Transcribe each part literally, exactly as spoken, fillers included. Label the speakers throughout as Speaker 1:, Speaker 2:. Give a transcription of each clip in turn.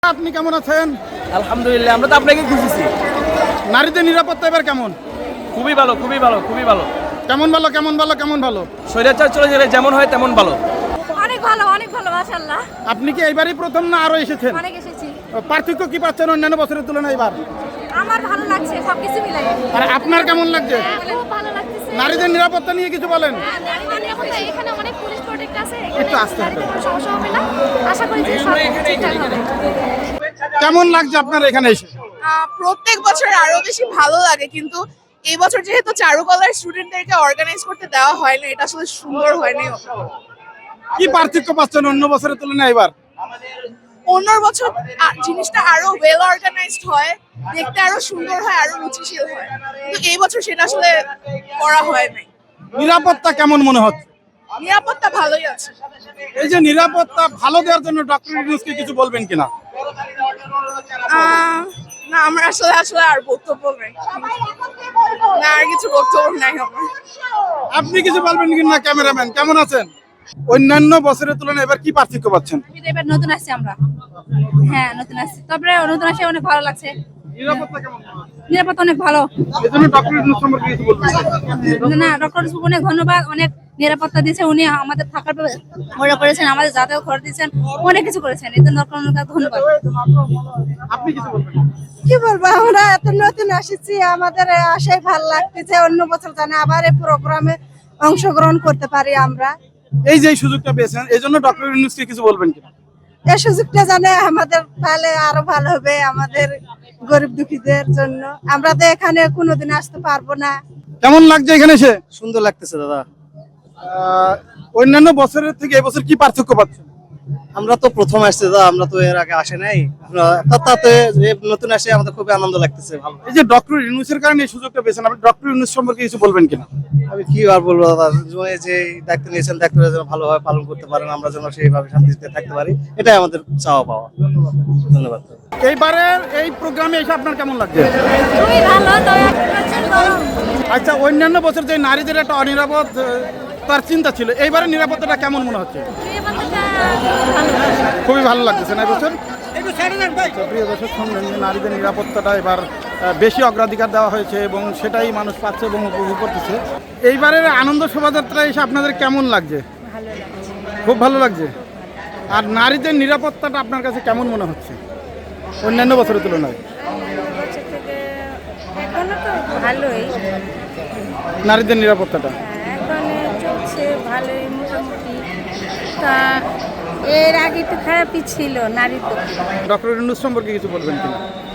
Speaker 1: আপনি কেমন আছেন?
Speaker 2: আলহামদুলিল্লাহ, আমরা তো আপনাকে খুঁজেছি।
Speaker 1: নারীদের নিরাপত্তা এবার কেমন?
Speaker 2: খুবই ভালো, খুবই ভালো, খুবই ভালো।
Speaker 1: কেমন ভালো কেমন ভালো কেমন ভালো?
Speaker 2: স্বৈরাচার চলে গেলে যেমন হয় তেমন ভালো।
Speaker 3: অনেক ভালো, অনেক ভালো, মাশাআল্লাহ।
Speaker 1: আপনি কি এইবারই প্রথম না আরো এসেছেন?
Speaker 3: অনেক এসেছি।
Speaker 1: পার্থক্য কি পাচ্ছেন অন্যান্য বছরের তুলনায় এবার?
Speaker 3: আমার ভালো লাগছে সবকিছু মিলাই।
Speaker 1: আর আপনার কেমন লাগছে?
Speaker 3: খুব ভালো লাগতেছে।
Speaker 1: নারীদের নিরাপত্তা নিয়ে কিছু বলেন।
Speaker 3: হ্যাঁ, নারীদের নিরাপত্তা, এখানে অনেক পুলিশ প্রোটেক্ট আছে।
Speaker 1: একটু আস্তে হাঁটো।
Speaker 3: কোনো সমস্যা হবে না। আশা করি যে সব ঠিকঠাক হবে।
Speaker 1: কেমন লাগছে আপনার এখানে এসে?
Speaker 4: আহ, প্রত্যেক বছর আরো বেশি ভালো লাগে, কিন্তু এই বছর যেহেতু চারুকলার স্টুডেন্টদেরকে অর্গানাইজ করতে দেওয়া হয়নি, এটা আসলে সুন্দর হয়নি।
Speaker 1: কি পার্থক্য পাচ্ছেন অন্য বছরের তুলনায় এবার?
Speaker 4: অন্য বছর আ- জিনিসটা আরো ওয়েল অর্গানাইজড হয়, দেখতে আরো সুন্দর হয়, আরো রুচিশীল হয়, কিন্তু এই বছর সেটা আসলে করা হয় নাই।
Speaker 1: নিরাপত্তা কেমন মনে হচ্ছে?
Speaker 4: নিরাপত্তা ভালোই আছে।
Speaker 1: এই যে নিরাপত্তা ভালো দেওয়ার জন্য ডক্টর ইউনূসকে কিছু বলবেন কিনা?
Speaker 4: আহ, না, আমার আসলে আসলে আর বক্তব্য নেই, না আর কিছু বক্তব্য নাই আমার।
Speaker 1: আপনি কিছু বলবেন কিনা? ক্যামেরাম্যান কেমন আছেন? অন্যান্য বছরের তুলনায় এবার কি পার্থক্য পাচ্ছেন?
Speaker 3: এবার নতুন আসছে আমরা। হ্যাঁ, নতুন আসছে। তারপরে নতুন আসে অনেক ভালো লাগছে।
Speaker 1: নিরাপত্তা কেমন মনে হচ্ছে?
Speaker 3: নিরাপত্তা অনেক ভালো।
Speaker 1: এই জন্য ডক্টর ইউনূস সম্পর্কে কিছু বলবেন?
Speaker 3: না, ডক্টর অনেক ধন্যবাদ, অনেক নিরাপত্তা দিয়েছে উনি, আমাদের থাকার ব্যবস্থা করেছেন, আমাদের যাতায়াত করে দিয়েছেন, অনেক কিছু করেছেন। এই জন্য ডক্টর ধন্যবাদ।
Speaker 1: আপনি কিছু বলবেন?
Speaker 5: কি বলবো, আমরা এত নতুন আসছি, আমাদের আশাই ভালো লাগতেছে। অন্য বছর জানে আবার এই প্রোগ্রামে অংশগ্রহণ করতে পারি আমরা।
Speaker 1: এই যে এই সুযোগটা পেয়েছেন এই জন্য ডক্টর ইউনূসকে কিছু বলবেন কিনা?
Speaker 5: এই সুযোগটা জানে আমাদের তাহলে আরো ভালো হবে, আমাদের গরিব দুঃখীদের জন্য। আমরা তো এখানে কোনোদিন আসতে পারবো না।
Speaker 1: কেমন লাগছে এখানে এসে?
Speaker 6: সুন্দর লাগতেছে দাদা।
Speaker 1: আহ, অন্যান্য বছরের থেকে এবছর কি পার্থক্য পাচ্ছেন?
Speaker 6: আমরা তো প্রথম আসছি দাদা, আমরা তো এর আগে আসে নাই। আমরা তাতে যে নতুন আসে আমাদের খুবই আনন্দ লাগতেছে, ভালো।
Speaker 1: এই যে ডক্টর ইউনূসের কারণে এই সুযোগটা পেয়েছেন, আপনি ডক্টর ইউনূস সম্পর্কে কিছু বলবেন কিনা?
Speaker 6: আমি কি আর বলবো দাদা, যে যে দায়িত্ব নিয়েছেন দায়িত্বটা যেন ভালোভাবে পালন করতে পারেন, আমরা যেন সেইভাবে শান্তিতে থাকতে পারি, এটাই আমাদের চাওয়া পাওয়া। ধন্যবাদ।
Speaker 1: এইবারের এই প্রোগ্রামে এসে আপনার কেমন লাগছে?
Speaker 3: খুবই ভালো, তবে এখন গরম।
Speaker 1: আচ্ছা, অন্যান্য বছর যে নারীদের একটা অনিরাপদ আহ, তার চিন্তা ছিল, এইবারের নিরাপত্তাটা কেমন মনে হচ্ছে?
Speaker 3: নিরাপত্তাটা
Speaker 1: খুবই ভালো লাগতেছে না এবছর? তো প্রিয় দর্শক, শুনলেন যে নারীদের নিরাপত্তাটা এবার আহ, বেশি অগ্রাধিকার দেওয়া হয়েছে এবং সেটাই মানুষ পাচ্ছে এবং উপভোগ করতেছে। এইবারের আনন্দ শোভাযাত্রা এসে আপনাদের কেমন লাগছে? খুব ভালো লাগছে। আর নারীদের নিরাপত্তাটা আপনার কাছে কেমন মনে হচ্ছে অন্যান্য বছরের তুলনায়?
Speaker 7: এখনো তো ভালোই,
Speaker 1: নারীদের নিরাপত্তাটা
Speaker 7: এখন চলছে ভালোই মোটামুটি। তা এর আগে তো খারাপই ছিল নারীদের।
Speaker 1: ডক্টর ইউনূস সম্পর্কে কিছু বলবেন কিনা?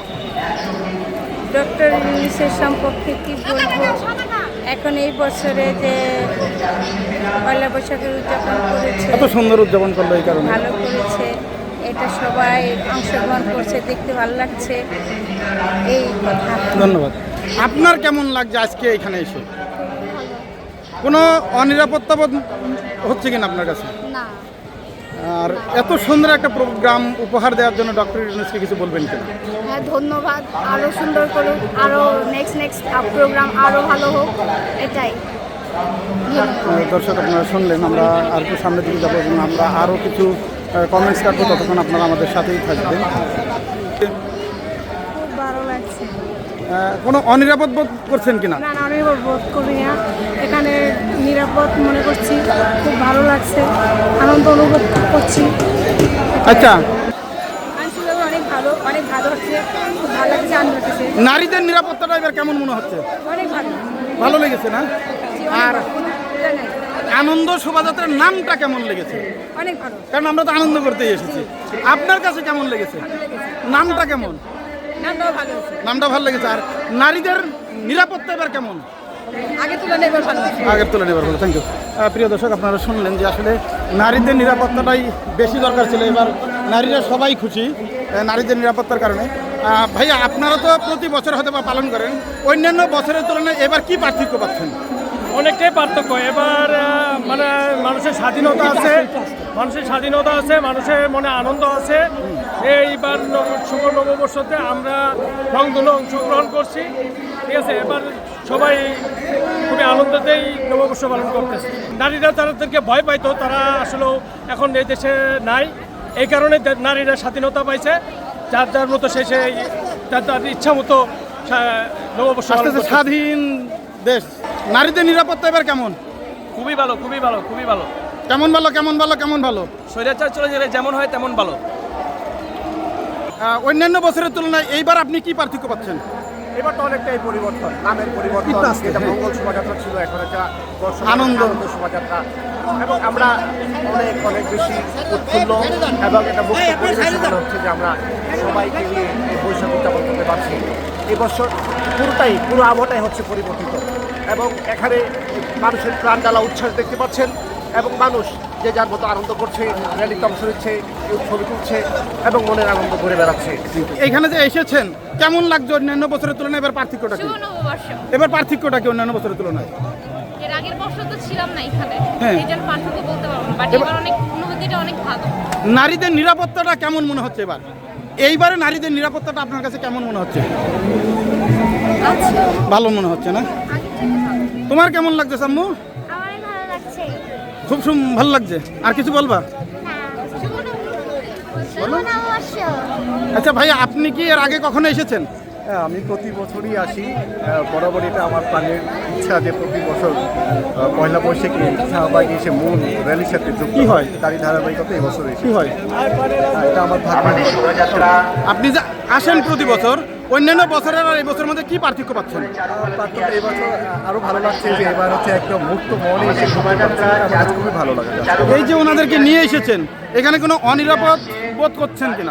Speaker 7: ডক্টর ইউনূসের সম্পর্কে কি বলবো, এখন এই বছরে যে পয়লা বৈশাখের উদযাপন করেছে,
Speaker 1: এত সুন্দর উদযাপন করলো এই কারণে।
Speaker 7: ভালো করেছে, এটা সবাই অংশগ্রহণ করছে, দেখতে ভালো লাগছে, এই কথা।
Speaker 1: ধন্যবাদ। আপনার কেমন লাগছে আজকে এখানে এসে? কোনো অনিরাপত্তা বোধ হচ্ছে কিনা আপনার কাছে?
Speaker 3: না।
Speaker 1: আর এত সুন্দর একটা প্রোগ্রাম উপহার দেওয়ার জন্য ডক্টর ইউনূসকে কিছু বলবেন কিনা?
Speaker 3: হ্যাঁ, ধন্যবাদ। আরো সুন্দর করুক, আরো নেক্সট নেক্সট প্রোগ্রাম আরো ভালো হোক, এটাই।
Speaker 1: দর্শক, আপনারা শুনলেন, আমরা আর একটু সামনের দিকে যাবো এবং আমরা আরও কিছু কমেন্টস কাটবো, ততক্ষণ আপনারা আমাদের সাথেই থাকবেন।
Speaker 7: খুব ভালো লাগছে।
Speaker 1: আহ, কোনো অনিরাপদ বোধ করছেন কিনা?
Speaker 7: না, অনিরাপদ বোধ করি না, এখানে নিরাপদ মনে করছি, খুব ভালো লাগছে, আনন্দ অনুভব করছি।
Speaker 1: আচ্ছা,
Speaker 7: আইনশৃঙ্খলা অনেক ভালো, অনেক ভালো হচ্ছে, খুব ভালো লাগছে, আনন্দ হচ্ছে,
Speaker 1: নারীদের নিরাপত্তাটা এবার কেমন মনে হচ্ছে?
Speaker 7: অনেক ভালো,
Speaker 1: ভালো লেগেছে না? আর
Speaker 7: এটা নাই,
Speaker 1: আনন্দ শোভাযাত্রার নামটা কেমন লেগেছে?
Speaker 7: অনেক ভালো,
Speaker 1: কারণ আমরা তো আনন্দ করতেই এসেছি। আপনার কাছে কেমন লেগেছে? নামটা কেমন?
Speaker 7: নামটাও ভালো হচ্ছে,
Speaker 1: নামটা ভালো লেগেছে। আর নারীদের নিরাপত্তা এবার কেমন?
Speaker 7: আগে তুলনায় এবার ভালো হচ্ছে।
Speaker 1: আগের তুলনায় এবার ভালো। Thank you. প্রিয় দর্শক, আপনারা শুনলেন যে আসলে নারীদের নিরাপত্তাটাই বেশি দরকার ছিল। এবার নারীরা সবাই খুশি আহ, নারীদের নিরাপত্তার কারণে। আহ, ভাইয়া, আপনারা তো প্রতি বছর হয়তো বা পালন করেন, অন্যান্য বছরের তুলনায় এবার কি পার্থক্য পাচ্ছেন?
Speaker 2: অনেকটাই পার্থক্য। এবার আহ, মানে মানুষের স্বাধীনতা আছে, মানুষের স্বাধীনতা আছে, মানুষের মনে আনন্দ আছে। এইবার নব- শুভ নববর্ষতে আমরা রংধনু অংশগ্রহণ করছি, ঠিক আছে। এবার সবাই খুবই আনন্দতেই নববর্ষ পালন করতেছে। নারীরা তাদেরকে ভয় পাইতো, তারা আসলে এখন এই দেশে নাই, এই কারণে নারীরা স্বাধীনতা পাইছে। যার যার মতো সে সে তার তার ইচ্ছা মতো সা- নববর্ষ পালন
Speaker 1: আসতেছে
Speaker 2: করতেছে।
Speaker 1: স্বাধীন দেশ, নারীদের নিরাপত্তা এবার কেমন?
Speaker 8: খুবই ভালো খুবই ভালো খুবই ভালো
Speaker 1: কেমন ভালো কেমন ভালো কেমন ভালো?
Speaker 8: স্বৈরাচার চলে গেলে যেমন হয় তেমন ভালো।
Speaker 1: আহ, অন্যান্য বছরের তুলনায় এইবার আপনি কি পার্থক্য পাচ্ছেন?
Speaker 9: এবার তো অনেকটাই পরিবর্তন, নামের পরিবর্তন,
Speaker 1: একটু আস্তে,
Speaker 9: যেটা
Speaker 1: হ্যাঁ।
Speaker 9: মঙ্গল শোভাযাত্রা ছিল এখন একটা বর্ষবরণ
Speaker 1: আনন্দ।
Speaker 9: আনন্দ শোভাযাত্রা, এবং আমরা অনেক অনেক বেশি উৎফুল্ল এবং একটা মুক্ত পরিবেশ মনে হচ্ছে যে আমরা সবাইকে নিয়ে এই বৈশাখ উদযাপন করতে পারছি। এই বছর পুরোটাই পুরো আবহাওয়াটাই হচ্ছে পরিবর্তিত, এবং এখানে মানুষের প্রাণ জ্বালা উচ্ছ্বাস দেখতে পাচ্ছেন, এবং মানুষ যে যার মতো আনন্দ করছে, র্যালিতে অংশ নিচ্ছে, কেউ ছবি তুলছে এবং মনের আনন্দ করে বেড়াচ্ছে।
Speaker 1: এইখানে যে এসেছেন কেমন লাগছে অন্যান্য বছরের তুলনায়? এবার পার্থক্যটা কি?
Speaker 3: শুভ নববর্ষ।
Speaker 1: এবার পার্থক্যটা কি অন্যান্য বছরের তুলনায়?
Speaker 3: এর আগের বছর তো ছিলাম না এখানে,
Speaker 1: হ্যাঁ।
Speaker 3: এই জন্য পার্থক্য বলতে পারবো না, বাট
Speaker 1: এবার-
Speaker 3: এবার অনেক অনুভূতিটা অনেক ভালো।
Speaker 1: নারীদের নিরাপত্তাটা কেমন মনে হচ্ছে এবার? এইবারে নারীদের নিরাপত্তাটা আপনার কাছে কেমন মনে হচ্ছে? ভালো মনে হচ্ছে না? তোমার কেমন লাগছে সাম্মু?
Speaker 7: আমার ভালো লাগছে।
Speaker 1: খুব সুম ভালো লাগছে। আর কিছু বলবা? আচ্ছা ভাই, আপনি কি এর আগে কখনো এসেছেন?
Speaker 9: হ্যাঁ, আমি প্রতি বছরই আসি। আহ, বরাবর এটা আমার প্রাণের ইচ্ছা যে প্রতি বছর আহ, পয়লা বৈশাখে শাহবাগে এসে মূল র্যালির সাথে যুক্ত
Speaker 1: কি হয়?
Speaker 9: তারই ধারাবাহিকতা এই বছর এসে
Speaker 1: কি হয়?
Speaker 9: এটা আমার ভাগ্য।
Speaker 1: আপনি যে আসেন প্রতি বছর, অন্যান্য বছরের আর এই বছরের মধ্যে কি পার্থক্য পাচ্ছেন?
Speaker 9: পার্থক্য এই বছর আরো ভালো লাগছে যে এবার হচ্ছে একদম মুক্ত মনে এসে শোভাযাত্রা, আমার কাছে খুবই ভালো লাগে।
Speaker 1: এই যে ওনাদেরকে নিয়ে এসেছেন, এখানে কোনো অনিরাপদ বোধ করছেন কিনা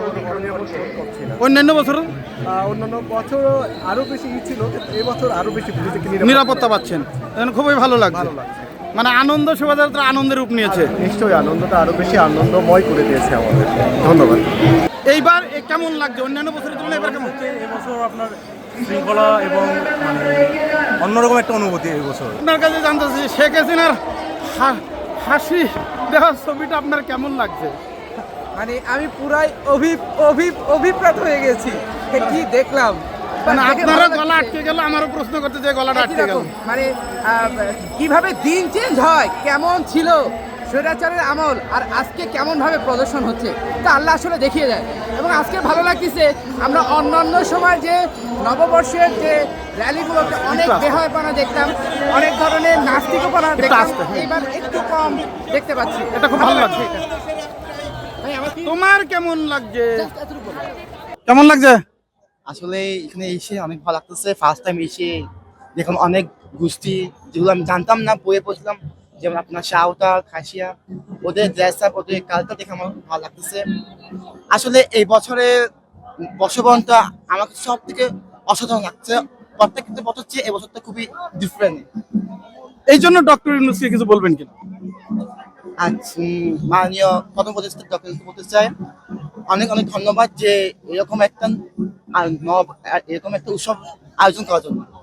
Speaker 9: করছি না।
Speaker 1: অন্যান্য বছর?
Speaker 9: আহ, অন্যান্য বছর আরো বেশি ই ছিল, কিন্তু এই বছর আরো বেশি নিজেকে
Speaker 1: নিরাপত্তা পাচ্ছেন, এখন খুবই ভালো লাগছে।
Speaker 9: ভালো লাগছে।
Speaker 1: মানে আনন্দ শোভাযাত্রা আনন্দের রূপ নিয়েছে।
Speaker 9: নিশ্চয়ই আনন্দটা আরো বেশি আনন্দময় করে দিয়েছে আমাদের। ধন্যবাদ।
Speaker 1: এইবার এ কেমন লাগছে অন্যান্য বছরের তুলনায় এবার কেমন?
Speaker 10: এবছর আপনার শৃঙ্খলা এবং মানে অন্যরকম একটা অনুভূতি এই বছর।
Speaker 1: আপনার কাছে জানতে চাই, শেখ হাসিনার হা- হাসি দেওয়ার ছবিটা আপনার কেমন লাগছে?
Speaker 11: মানে আমি পুরাই অভি অভি অভিপ্রাত হয়ে গেছি, এ কি দেখলাম।
Speaker 1: মানে
Speaker 11: দেখে
Speaker 1: আপনারও
Speaker 11: ভালো
Speaker 1: গলা
Speaker 11: লাগছে।
Speaker 1: আটকে গেল, আমারও প্রশ্ন করতে যে গলাটা
Speaker 11: একই
Speaker 1: আটকে গেল।
Speaker 11: রকম। মানে আহ, কিভাবে দিন চেঞ্জ হয়, কেমন ছিল স্বৈরাচারের আমল আর আজকে কেমন ভাবে প্রদর্শন হচ্ছে, তা আল্লাহ আসলে দেখিয়ে দেয়। এবং আজকে ভালো লাগতেছে, আমরা অন্যান্য সময় যে নববর্ষের যে র্যালিগুলোতে অনেক
Speaker 1: একটু আস্তে।
Speaker 11: বেহায়পনা দেখতাম, অনেক ধরনের নাস্তিকপনা দেখতাম,
Speaker 1: আস্তে, হ্যাঁ।
Speaker 11: এইবার একটু কম দেখতে পাচ্ছি।
Speaker 1: এটা খুব ভালো লাগছে।
Speaker 11: ভাই, আমার কি-
Speaker 1: তোমার কেমন লাগছে? কেমন লাগছে?
Speaker 6: আসলে এখানে এসে অনেক ভালো লাগতেছে। ফার্স্ট টাইম এসে দেখুন অনেক গোষ্ঠী যেগুলো আমি জানতাম না, বইয়ে পড়ছিলাম, যেমন আপনার সাঁওতাল, খাসিয়া, ওদের ড্রেস আপ, ওদের কালচার দেখে আমার খুব ভালো লাগতেছে। আসলে এই বছরের বর্ষবরণটা আমার কাছে সব থেকে অসাধারণ লাগছে। প্রত্যেকটা বছর চেয়ে এই বছরটা খুবই ডিফারেন্ট।
Speaker 1: এই জন্য ডক্টর ইউনূসকে কিছু বলবেন কিনা?
Speaker 6: আর উম, মাননীয় প্রথম উপদেষ্টা ডক্টর ইউনূসকে বলতে চাই অনেক অনেক ধন্যবাদ যে এরকম একটা আহ, নব এরকম একটা উৎসব আয়োজন করার জন্য।